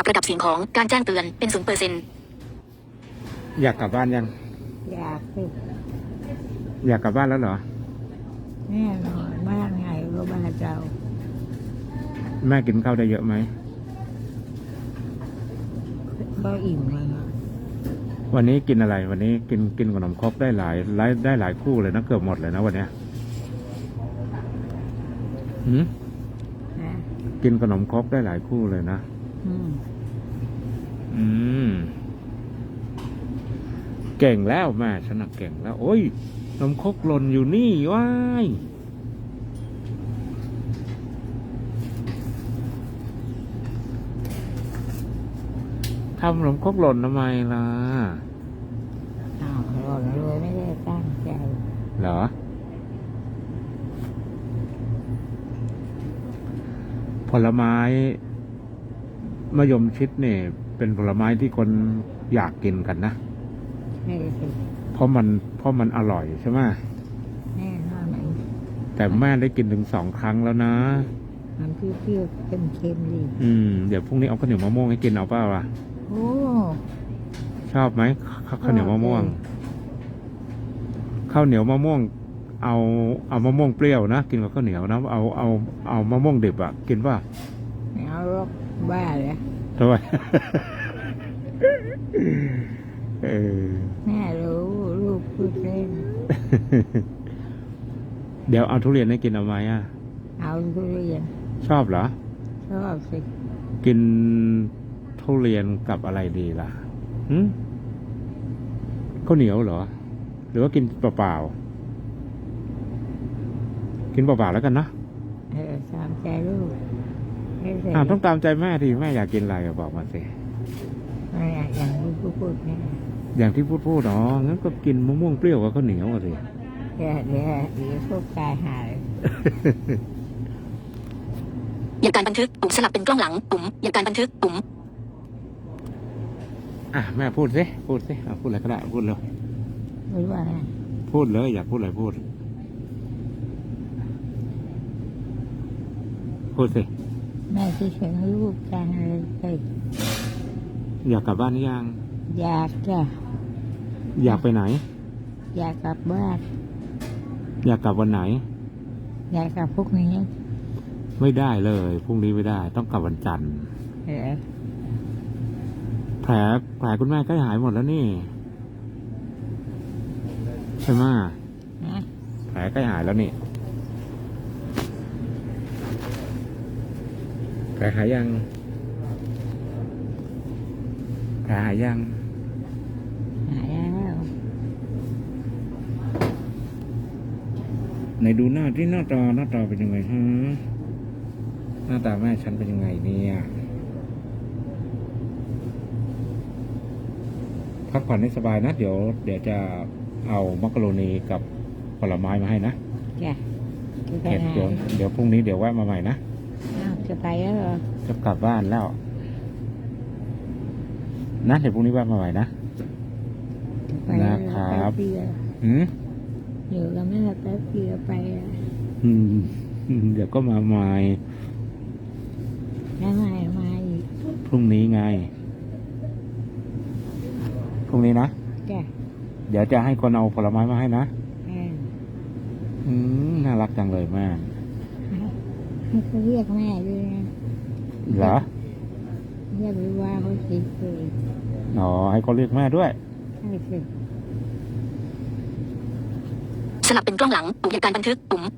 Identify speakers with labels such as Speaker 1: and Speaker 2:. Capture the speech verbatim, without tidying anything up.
Speaker 1: ระดับเสียงของการแจ้งเตือนเป็นศูนย์เปอร์เซ็นต์
Speaker 2: อยากกลับบ้านยัง
Speaker 3: อยากสิ
Speaker 2: อยากกลับบ้านแล้วเหรอ
Speaker 3: แน่นอนบ้านไงก็บ้านเรา
Speaker 2: แม่กินข้าวได้เยอะไหม
Speaker 3: ก็อิ่มเลยนะ
Speaker 2: วันนี้กินอะไร วันนี้กินกินขนมครกได้หลายหลายได้หลายคู่เลยนะเกือบหมดเลยนะวันเนี้ยหืม
Speaker 3: นะ
Speaker 2: กินขนมครกได้หลายคู่เลยนะ
Speaker 3: อืม
Speaker 2: อืม เก่งแล้วแม่ฉันน่ะเก่งแล้ว โอ้ยขนมครกหล่นอยู่นี่ว้ายทำขนมครกหล่นทำไมล่ะ
Speaker 3: อ้าวหล่นเลยไม่ได้ตั้งใจ
Speaker 2: เหรอ ผลไม้มะยมชิดเนี่ยเป็นผลไม้ที่คนอยากกินกันนะ
Speaker 3: ไม่ได้สิ
Speaker 2: เพราะมันเพราะมันอร่อยใช่ไหม
Speaker 3: แน่นอนไหน
Speaker 2: แต่แม่ได้กินถึงสองครั้งแล้วนะ
Speaker 3: มันเปรี้ยวๆเค็มๆดี
Speaker 2: อืม เดี๋ยวพรุ่งนี้เอาข้าวเหนียวมะม่วงให้กินเอาเปล่าล่ะ
Speaker 3: โอ้
Speaker 2: ชอบไหมข้าวข้าวเหนียวมะม่วง ข้าวเหนียวมะม่วง เอาเอามะม่วงเปรี้ยวนะกินกับข้าวเหนียวนะเอาเอาเอามะม่วงดิบอะกินป่ะ
Speaker 3: ไม่เอาหรอกบ้าเลย
Speaker 2: ทำไม เออ
Speaker 3: แม่รู้ลูกพูดเล่น
Speaker 2: เดี๋ยวเอาทุเรียนให้กินเอาไหมอะ
Speaker 3: เอาทุเรียน
Speaker 2: ชอบเหรอ
Speaker 3: ชอบสิ
Speaker 2: กินทุเรียนกับอะไรดีล่ะหืมข้าวเหนียวเหรอ หรือว่ากินเปล่าๆกินเปล่าๆแล้วกันนะ
Speaker 3: เออตามใจลูกไม่ใช่
Speaker 2: อ่าต้องตามใจแม่ทีแม่อยากกินอะไรอะบอกมาสิ
Speaker 3: ไม่อยากอย่างที่พูดพูดแม่
Speaker 2: อย่างที่พูดพูดอ๋องั้นก็กินมะม่วงเปรี้ยวกับข้าวเหนียวอะสิ
Speaker 3: เดี๋ยวเดี๋ยวเดี๋ยวพวกตายหาย
Speaker 1: อย่างการบันทึกปุ่มสลับเป็นกล้องหลังปุ่มอย่างการบันทึกปุ่ม
Speaker 2: อ่ะแม่พูดสิพูดสิอ่ะพูดอะไรก็ได้พูดเลย
Speaker 3: ไม่ว่าไง
Speaker 2: พูดเลยอยากพูดอะไรพูด พูดสิ
Speaker 3: แม่คิดถึงลูกจังเลยเฮ้ย
Speaker 2: อยากกลับบ้านหรือยัง
Speaker 3: อยากจะ
Speaker 2: อยากไปไหน
Speaker 3: อยากกลับบ้าน
Speaker 2: อยากกลับวันไหน
Speaker 3: อยากกลับพวกนี้
Speaker 2: ไม่ได้เลยพรุ่งนี้ไม่ได้ ต้องกลับวันจันทร์
Speaker 3: เออ
Speaker 2: แผลแผลคุณแม่ใกล้หายหมดแล้วนี่ใช่ไหม
Speaker 3: นะ
Speaker 2: แผลใกล้หายแล้วนี่แผลหายยังแผลหายยัง
Speaker 3: หายแล้ว
Speaker 2: ไหนดูหน้าที่หน้าตาหน้าตาเป็นยังไงฮะหน้าตาแม่ฉันเป็นยังไงเนี่ยพักผ่อนให้สบายนะ เดี๋ยว เดี๋ยวจะเอามักกะโรนีกับผลไม้มาให้นะ
Speaker 3: จ้ะจะไป
Speaker 2: เห็ด
Speaker 3: ไหน
Speaker 2: เดี๋ยวเดี๋ยวพรุ่งนี้เดี๋ยวแวะมาใหม่นะ
Speaker 3: อ้าวจะไปแล้วเหรอ
Speaker 2: จะกลับบ้านแล้วนะเดี๋ยวพรุ่งนี้แวะมาใหม่นะ
Speaker 3: จะไปแล้ว
Speaker 2: นะครับ
Speaker 3: แป๊บเดียว
Speaker 2: อืม
Speaker 3: อยู่กับแม่แป๊บเดียวไปอะ
Speaker 2: อืมเดี๋ยวก็มาใหม่
Speaker 3: แล้วมามาอีก
Speaker 2: พรุ่งนี้ไงพรุ่งนี้นะ
Speaker 3: จ้ะ
Speaker 2: เดี๋ยวจะให้คนเอาผลไม้มาให้นะ
Speaker 3: เออ
Speaker 2: อืมน่ารักจังเลยแม่
Speaker 3: ให้เขาเรียกแม่ด้วยนะ
Speaker 2: เหรอ
Speaker 3: อย่าไปว่าเขาสิเลย
Speaker 2: อ๋อให้เขาเรียกแม่ด้วย
Speaker 3: ใช่สิ
Speaker 1: สลับเป็นกล้องหลังปุ่มอย่างการบันทึกปุ่ม